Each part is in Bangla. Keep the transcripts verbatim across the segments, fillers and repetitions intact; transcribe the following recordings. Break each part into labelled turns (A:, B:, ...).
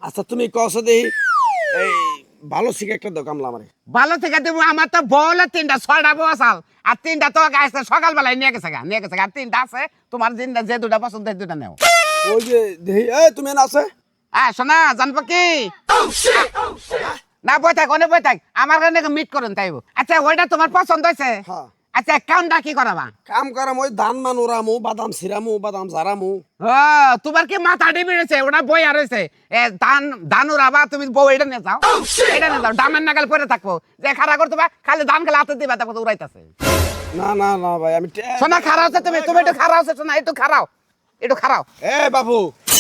A: আচ্ছা তুমি কসো দেই এই ভালো শিখে একটা দাও কামলা আমারে
B: ভালো থেকে দেবো আমার তো বউলে তিনটা ছয়টা বউ আসাল আর তিনটা তো গাছ সকালবেলায় নিয়ে গেছে গা নিয়ে গেছে গা আর তিনটা আছে তোমার তিনটা যে দুটা পছন্দ সেই দুটা নেও
A: ওই যে দেই এই তুমি না আছে
B: হ্যাঁ শোনা জানবো কি না বই থাক অনেক বই থাক আমার কারণে মিট করুন তাইব আচ্ছা ওইটা তোমার পছন্দ হয়েছে
A: হ্যাঁ
B: আচ্ছা কামটা কি করাবা
A: কাম করাম ওই ধান মান ওরামু বাদাম সিরামু বাদাম ঝারামু
B: ও তোমার কি মাথা ডিবি রয়েছে ওটা বই আর রয়েছে এ ধান ধান উড়াবা তুমি বউ এটা নিয়ে যাও এটা নিয়ে যাও ডামের নাগাল পরে থাকবো যে খাড়া করতে বা খালি ধান খেলে হাতে দিবা তারপর উড়াইতেছে
A: না না না ভাই আমি টে-
B: শোনা খারাপ হচ্ছে তুমি তুমি একটু খারাপ হচ্ছে শোনা একটু খারাপ একটু খারাপ
A: এ বাবু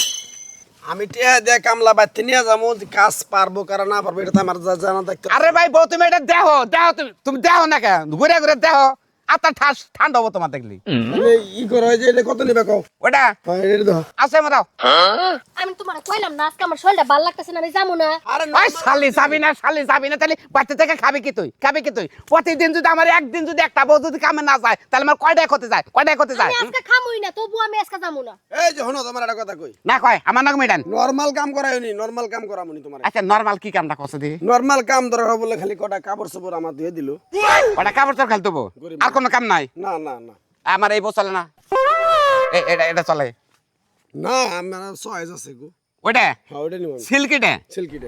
A: আমি টিয়া দে কামলা বাইতে নিয়ে যাবো যে কাজ পারবো কারা না পারবো এটা তো আমার জা- জানা থাকতে
B: আরে ভাই বউ তুমি এটা দেহ দেহ তুমি তুমি দেহ না কেন ঘুরে ঘুরে দেহ আত্মা ঠাস ঠান্ডা হবো তোমার দেখলি
A: এই ই করো এই যে এটা কত নিবে কও
B: ওটা
A: হ্যাঁ এটা দাও
B: আছে মারাও
C: আমি তোমার কইলাম না আজকে আমার শরীরটা ভালো লাগতেছে না আমি যাবো না
A: আরে
B: ওই শালি যাবি না শালি যাবি না তাহলে বাচ্চা থেকে খাবি কি তুই খাবি কি তুই প্রতিদিন যদি আমার একদিন যদি একটা বউ যদি কামে না যায় তাহলে আমার কয়টায় ক্ষতি যায় কয়টায় ক্ষতি যায়
C: আমি আজকে খামুই না তবু আমি আজকে যাবো না
A: এই যে হনো তোমার একটা কথা কই
B: না কয় আমার নাক মিটান
A: নরমাল কাম করায়নি নরমাল কাম করামুনি তোমার
B: আচ্ছা নরমাল কি কামটা করছে দি
A: নরমাল কাম দরকার বলে খালি কটা কাপড় চোপড় আমার দিয়ে দিল
B: ওটা কাপড় চোর খেলতে হবো আর কোনো কাম নাই
A: না না না
B: আমার এই বউ চলে না এ- এটা এটা চলে
A: না আমার চয়েস আছে গো
B: ওইটা
A: হ্যাঁ ওটা নিব
B: সিল্কিটা
A: সিল্কিটে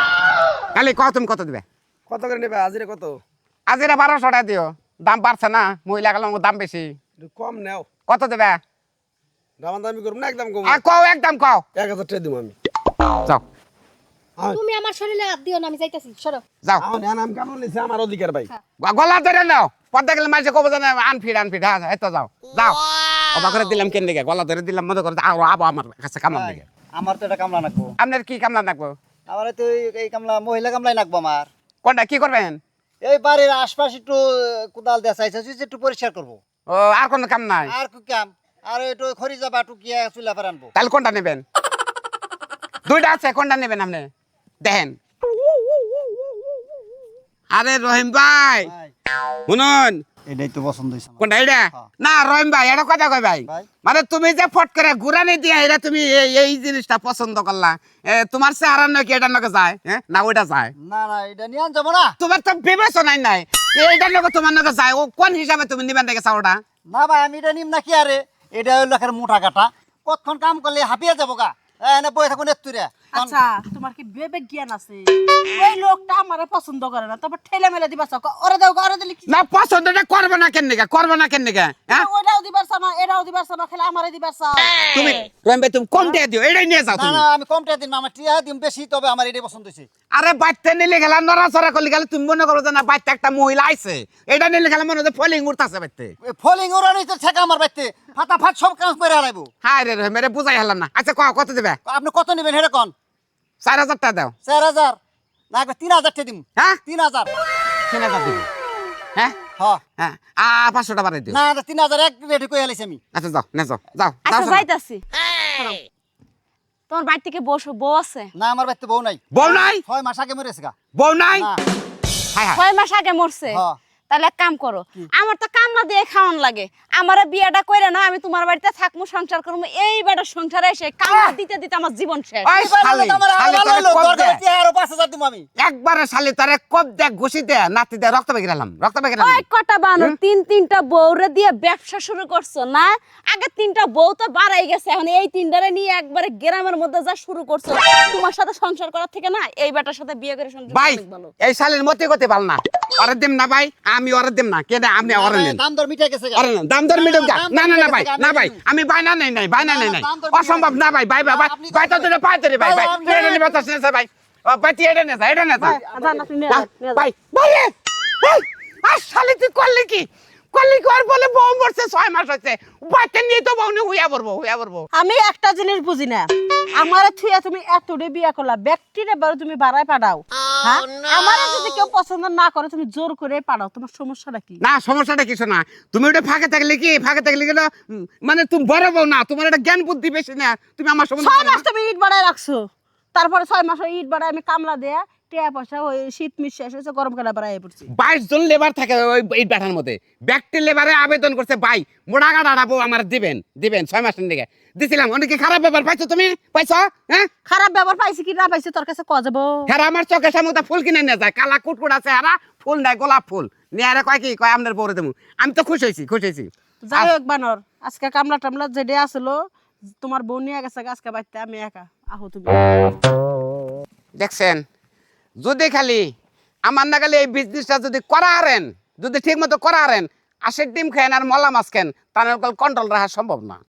B: খালি কত তুমি কত দিবে
A: কত করে নেবে হাজিরে কত
B: আজ এটা বারোশো টাকা দিও দাম বাড়ছে না মহিলা গেল দাম বেশি
A: একটু কম নেও
B: কত দেবে
A: দামান দামি করবো না একদম কম
B: আর কও একদম কও
A: এক হাজার টাকা দিব আমি
B: যাও
C: তুমি আমার শরীরে হাত দিও না আমি যাইতাছি সরো
B: যাও
A: আমার নাম কেমন নিছে আমার অধিকার ভাই
B: গ- গলা ধরে নাও পদ্মা গেলে মাঝে কব জানে আনফিট আনফিট হ্যাঁ এই তো যাও যাও অবাক করে দিলাম কেন দিকে গলা ধরে দিলাম মনে করে আরো আবো আমার কাছে কামলাম দিকে
D: আমার তো এটা কামলা নাকবো
B: আপনার কি কামলা রাখবো
D: আমার তো এই- এই কামলা মহিলা কামলাই নাকবো আমার
B: কোনটা কি করবেন
D: এই বাড়ির আশপাশ একটু কোদাল দেওয়া চাইছে একটু পরিষ্কার করবো
B: ও আর কোনো কাম নাই
D: আর কি কাম আর একটু খড়ি যাবা একটু গিয়ে চুলা ফের আনবো
B: তাহলে কোনটা নেবেন দুইটা আছে কোনটা নেবেন আপনি দেখেন আরে রহিম ভাই শুনুন
D: এটাই তো পছন্দ হয়েছে
B: কোনটা এটা না রহিম ভাই এটা কথা কই ভাই
D: ভাই।
B: মানে তুমি যে ফট করে ঘুরানি দিয়ে এটা তুমি এই- এই জিনিসটা পছন্দ করলা এ, তোমার চেহারা নাকি এটা নাকি যায় হ্যাঁ না ওইটা যায়
D: না না এটা নিয়ে আন যাবো না
B: তোমার তো বিবেচনাই নাই এইটা নাকি তোমার নাকি যায় ও কোন হিসাবে তুমি নিবেন দেখে চাওটা
D: না ভাই আমি এটা নিম না কি আরে এটা হইলো একের মোটা কাটা কতক্ষণ কাম করলে হাঁপিয়ে যাবো গা এনে বই থাকুন এত্তুরে
E: আচ্ছা তোমার কি বিবেক জ্ঞান আছে ওই লোকটা আমারে পছন্দ করে না তারপর ঠেলে মেলে দিবা চাও ওরে দাও ওরে দিলে কি
B: না পছন্দটা করবে না কেন নিকা করবে না কেন নিকা হ্যাঁ
E: ওটাও দিবার চাও না এটাও দিবার চাও না খেলে আমারে দিবার চাও
B: তুমি রহিম ভাই তুমি কম দিয়ে দিও এটাই নিয়ে যাও
D: না
B: তুমি
D: না আমি কম টাকা দিন না, আমার টিয়া দিন বেশি তবে আমার এটাই পছন্দ হয়েছে
B: আরে বাচ্চা নিলে গেলা নড়াচড়া করলে গেলে তুমি মনে করো যে না বাচ্চা একটা মহিলা আইছে এটা নিলে গেলে মনে হচ্ছে ফলিং উঠতেছে বাচ্চা
D: ফলিং ওরা নিতে ঠেকা আমার বাইতে ফাটা ফাট সব কাজ করে হারাইবো
B: হায় রে রহিম রে বুঝাই হলাম না আচ্ছা ক কত দেবে
D: আপনি কত নেবেন হেরে কন
B: চার হাজার টাকা দাও
D: চার হাজার না একবার তিন হাজার টাকা দিম
B: হ্যাঁ
D: তিন হাজার
B: তিন হাজার দিবি হ্যাঁ
D: হ্যাঁ
B: হ্যাঁ আ পাঁচশো টাকা বাড়াই দিও
D: না না, তিন হাজার এক রেডি করে আলাইছি আমি
B: আচ্ছা যাও না যাও যাও
E: আচ্ছা
B: যাও শোনো।
E: যাইতাছি তোমার বাড়ি থেকে বসো বউ আছে
D: না আমার বাড়িতে বউ নাই
B: বউ নাই
D: ছয় মাস আগে মরেছে গা
B: বউ নাই
D: না
B: হায় হায়
E: ছয় মাস আগে মরছে
D: হ্যাঁ।
E: তাহলে এক কাম করো আমার তো কামলা দিয়ে খাওয়ান লাগে আমারে বিয়েটা কইরা না আমি তোমার বাড়িতে থাকমু সংসার করবো এই বেটা সংসারে এসে কামলা দিতে দিতে আমার জীবন শেষ
B: ওই শালি,
D: আমার
B: শালি
D: ভালো
B: তোরে
D: হলো,
B: কোপ
D: দরকার
B: দে।
D: হচ্ছে আরো পাঁচ হাজার দিব আমি
B: একবারে শালি তারে কপ দে ঘুষি দে নাতি দে রক্ত বেগে গেলাম রক্ত বেগে গেলাম
E: ওই কটা বানো তিন তিনটা বউরে দিয়ে ব্যবসা শুরু করছো না আগে তিনটা বউ তো বাড়াই গেছে এখন এই তিনটারে নিয়ে একবারে গ্রামের মধ্যে যা শুরু করছো তোমার সাথে সংসার করার থেকে না এই বেটার সাথে বিয়ে করে সংসার করা
B: ভাই
E: অনেক ভালো
B: এই শালির মতে গতি ভালো না ওরে দিম না ভাই আমি ওরে দিম না কেন আপনি ওরে নেন
D: দাম দর মিটে গেছে গা।
B: ওরে নেন দাম দর মিটুক গা।
D: দাম
B: না
D: দর
B: না না
D: মিটে
B: ভাই
D: গেছে গা,
B: না
D: আমি
B: ভাই
D: দিই।
B: আমি বাইনা নাই নাই বাইনা
D: না,
B: নাই
D: না,
B: নাই
D: দাম দর মিটে
B: অসম্ভব না ভাই ভাই ভাই ভাই
D: আপনি
B: ভাই তো
D: কত-
B: দিলে পাই ধরে ভাই
D: ভাই,
B: ভাই
D: আপনি-
B: এটা নিবে তো শুনেছে ভাই ও ভাই তুই এটা নেছা এটা নেছা
E: যান আপনি নিয়ে যান, নিয়ে যান।
B: ভাই ভাই এই, আর শালি তুই করলি কি করলি কি আর বলে বউ মরছে ছয় মাস হচ্ছে বাচ্চা নিয়ে তো বউ নিয়ে হুইয়া পড়বো হুইয়া পড়বো
E: আমি একটা জিনিস বুঝি না আমারে থুয়া তুমি এতটা বিয়া করলা ব্যক্তিরে বারো তুমি বাড়ায় পাঠাও হ্যাঁ আমারে যদি কেউ পছন্দ না করে তুমি জোর করে পাঠাও তোমার সমস্যাটা কি
B: না সমস্যাটা কিছু না তুমি ওটা ফাঁকে থাকলে কি ফাঁকে থাকলে গেলে মানে তুমি বড় বউ না তোমার একটা জ্ঞান বুদ্ধি বেশি না তুমি আমার
E: ছয়
B: সম্বন্ধে
E: মাস তুমি ইট বাড়ায় রাখছো তারপরে ছয় মাস ওই ইট বাড়ায় আমি কামলা দেয়া টিয়া পয়সা ওই শীত মিশ শেষ হয়েছে গরমকালে আবার আয় পড়ছি
B: বাইশ জন লেবার থাকে ওই এই ব্যাটার মধ্যে ব্যক্তি লেবারে আবেদন করছে ভাই মোড়া গাড়া ডাবো আমার দিবেন দিবেন ছয় মাসের দিকে দিছিলাম অনেকে খারাপ ব্যাপার পাইছো তুমি পাইছো হ্যাঁ
E: খারাপ ব্যবহার পাইছি কি না পাইছি তোর কাছে কয়া যাবো
B: হ্যাঁ আমার চোখের সামনে তো ফুল কিনে নিয়ে যায় কালা কুটকুট আছে হারা ফুল নাই গোলাপ ফুল নিয়ে আরে কয় কি কয় আপনার বউরে দেবো আমি তো খুশি হয়েছি খুশি হয়েছি
E: যাই হোক বানর আজকে কামলা টামলা যেটা আসলো তোমার বোন নিয়ে গেছে আজকে বাড়িতে আমি একা আহো তুমি
B: দেখছেন যদি খালি আমার না খালি এই বিজনেসটা যদি করা হারেন যদি ঠিক মতো করা হারেন আশের ডিম খেন আর মলা মাছ খেন তাহলে কন্ট্রোল রাখা সম্ভব না